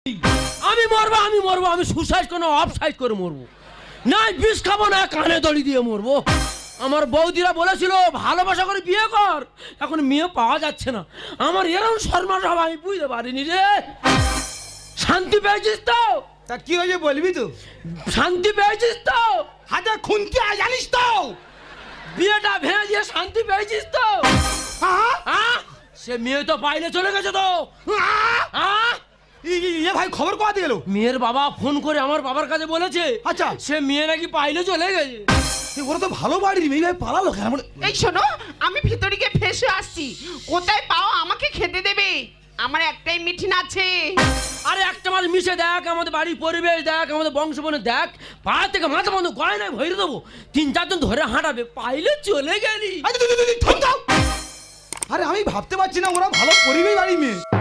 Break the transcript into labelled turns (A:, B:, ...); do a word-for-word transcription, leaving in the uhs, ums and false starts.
A: আমি মরবো আমি মরবো আমি সুসাইড কোনো অফ সাইড করে মরবো না, বিষ খাবো না, কানে দড়ি দিয়ে মরবো। আমার বৌদিরা বলেছিল ভালোবাসা করে বিয়ে কর, এখন মেয়ে পাওয়া যাচ্ছে না। আমার এরকম শর্মা সব আমি বুঝতে পারিনি রে। শান্তি পেয়েছিস তো?
B: তা কি হয়েছে বলবি তো?
A: শান্তি পেয়েছিস তো?
B: হাজার খুনতি আয় জানিস তো?
A: বিয়েটা ভেঙে দিয়ে শান্তি পেয়েছিস তো?
B: হ্যাঁ
A: আহ? সে মেয়ে তো বাইরে চলে গেছে তো। আহ?
B: এ ভাই খবর কোয়াতে গেল?
A: মেয়ের বাবা ফোন করে আমার বাবার কাছে বলেছে
B: আচ্ছা
A: সে মেয়ে নাকি বাইরে চলে গেছে।
B: ওরা তো ভালো বাড়ির মেয়ে, ভাই পালালো কেন?
C: এই শোনো, আমি ভিতরে গিয়ে ফেসে আসছি। কোথায় পাও আমাকে খেতে দেবে? আমার একটাই মিঠিন আছে।
A: আরে একটা মাস মিশে দেখ, আমাদের বাড়ির পরিবেশ দেখ, আমাদের বংশবনে দেখ, পা থেকে মাথা বন্ধ গয়নায় ভরে দেবো, তিন চারজন ধরে হাঁটাবে, পাইলে চলে গেলি।
B: আরে আমি ভাবতে পারছি না ওরা ভালো পরিবেশ বাড়ির মেয়ে।